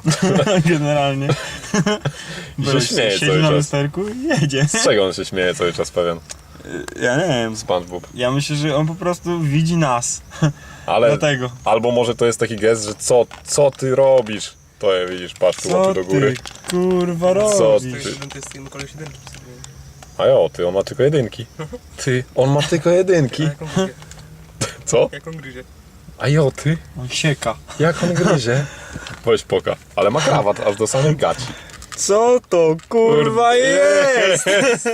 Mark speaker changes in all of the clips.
Speaker 1: Generalnie.
Speaker 2: Się śmieje
Speaker 1: siedzi
Speaker 2: cały
Speaker 1: na
Speaker 2: czas.
Speaker 1: lusterku i jedzie.
Speaker 2: Z czego on się śmieje cały czas pewien?
Speaker 1: Ja nie wiem.
Speaker 2: SpongeBob.
Speaker 1: Ja myślę, że on po prostu widzi nas.
Speaker 2: Ale
Speaker 1: Dlatego.
Speaker 2: albo może to jest taki gest, że co ty robisz? To je widzisz, patrz tu
Speaker 1: Co
Speaker 2: łapy do góry.
Speaker 1: ty, kurwa,
Speaker 2: Co
Speaker 1: robisz?
Speaker 3: To
Speaker 2: ty?
Speaker 3: jest jeden koleś jedynki przy sobie.
Speaker 2: A jo, ty, on ma tylko jedynki. Ty, on ma tylko jedynki.
Speaker 3: A jak on gryzie?
Speaker 2: Co?
Speaker 3: Jak on gryzie?
Speaker 2: A jo, ty,
Speaker 1: On sieka.
Speaker 2: jak on gryzie? Weź poka. Ale ma krawat aż do samych gaci.
Speaker 1: Co to kurwa jest?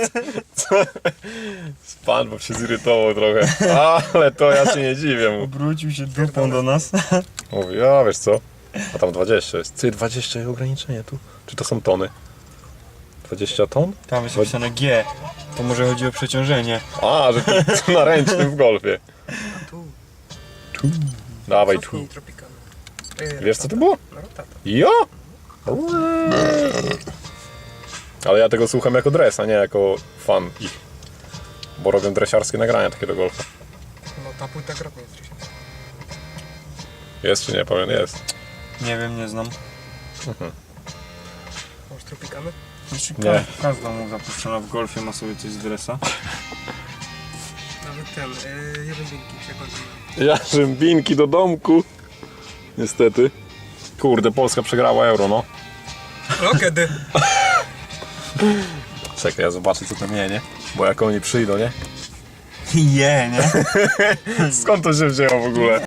Speaker 2: SpongeBob się zirytował trochę. Ale to ja się nie dziwię mu.
Speaker 1: Obrócił się dupą do nas.
Speaker 2: Mówi, a wiesz co? A tam 20 jest. Ty, 20 ograniczenie tu. Czy to są tony? 20 ton?
Speaker 1: Tam jest napisane G. To może chodzi o przeciążenie.
Speaker 2: A, że to na ręcznym w golfie.
Speaker 3: Tu.
Speaker 2: Dawaj tu.
Speaker 3: Cofnij Tropicana.
Speaker 2: Wiesz co to było?
Speaker 3: No tata.
Speaker 2: Jo? Ale ja tego słucham jako dres, a nie jako fan ich. Bo robią dresiarskie nagrania takie do golfa.
Speaker 3: No ta płyta grotna jest dzisiaj.
Speaker 2: Jest czy nie? Powiem, jest.
Speaker 1: Nie wiem, nie znam.
Speaker 3: Masz Tropicany?
Speaker 2: Nie.
Speaker 1: Każda mu zapuszczona w golfie ma sobie coś z dresa.
Speaker 3: Nawet ten, jeden dzięki się chodzi.
Speaker 2: Ja rzębinki do domku. Niestety. Kurde, Polska przegrała euro, no.
Speaker 3: No kiedy?
Speaker 2: Czekaj, ja zobaczę co tam je, nie? Bo jak oni przyjdą, nie?
Speaker 1: Je, nie?
Speaker 2: Skąd to się wzięło w ogóle?